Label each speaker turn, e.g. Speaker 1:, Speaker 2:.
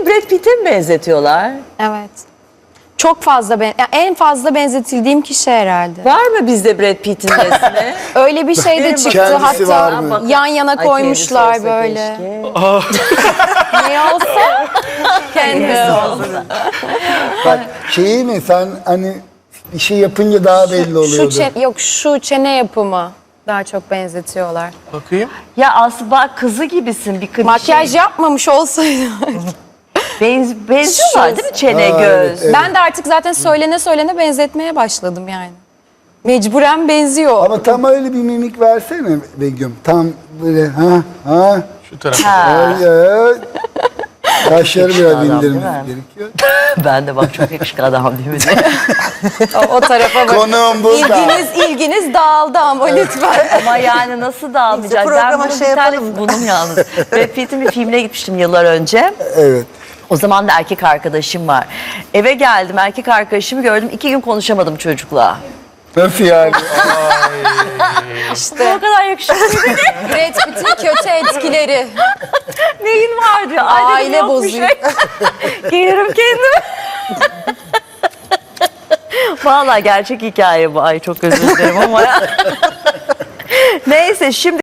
Speaker 1: Seni Brad Pitt'e mi benzetiyorlar?
Speaker 2: Evet. Çok fazla en fazla benzetildiğim kişi herhalde.
Speaker 1: Var mı bizde Brad Pitt'in resmi?
Speaker 2: Öyle bir şey de çıktı
Speaker 3: Kendisi var
Speaker 2: hatta
Speaker 3: mı?
Speaker 2: yan yana
Speaker 1: Ay,
Speaker 2: koymuşlar
Speaker 1: kendisi olsa
Speaker 2: böyle.
Speaker 1: keşke.
Speaker 2: Ne olsa kendisi
Speaker 1: olsa.
Speaker 3: Bak şeyi mi sen hani bir şey yapınca daha belli oluyordu.
Speaker 2: Şu çene yapımı daha çok benzetiyorlar.
Speaker 4: Bakayım.
Speaker 1: Ya Aslı bak kızı gibisin. Bir
Speaker 2: Makyaj yapmamış olsaydı.
Speaker 1: benziyorlar değil mi çene,
Speaker 3: Aa,
Speaker 1: göz?
Speaker 3: evet, evet.
Speaker 2: Ben de artık zaten söylene benzetmeye başladım yani. Mecburen benziyor.
Speaker 3: Ama tam öyle bir mimik versene Begüm. Tam böyle ha.
Speaker 4: Şu tarafa.
Speaker 1: Ha.
Speaker 3: Öyle. Kaşları biraz
Speaker 1: adam,
Speaker 3: indirmemiz
Speaker 1: değil mi?
Speaker 3: gerekiyor.
Speaker 1: Ben de bak çok yakışıklı adam değil mi?
Speaker 2: O tarafa bak.
Speaker 3: Konuğum burada.
Speaker 2: İlginiz dağıldı ama lütfen.
Speaker 1: Ama yani nasıl dağılmayacak?
Speaker 5: Neyse,
Speaker 1: Ben
Speaker 5: programa
Speaker 1: bunun
Speaker 5: şey
Speaker 1: bir tane
Speaker 5: yapalım.
Speaker 1: bunun yalnız. Brad Pitt'in bir filmine gitmiştim yıllar önce.
Speaker 3: Evet.
Speaker 1: O zaman da erkek arkadaşım var. Eve geldim, erkek arkadaşımı gördüm. 2 gün konuşamadım çocukla.
Speaker 3: Nasıl yani?
Speaker 2: İşte
Speaker 1: O kadar yakışıklı.
Speaker 2: Brad Pitt'in kötü etkileri.
Speaker 1: Neyin var diyor. Ay dedim,
Speaker 2: Aile
Speaker 1: yok bir
Speaker 2: bozuyor.
Speaker 1: şey. Gelirim kendime. Vallahi gerçek hikaye bu. Ay çok özür dilerim ama. Neyse şimdi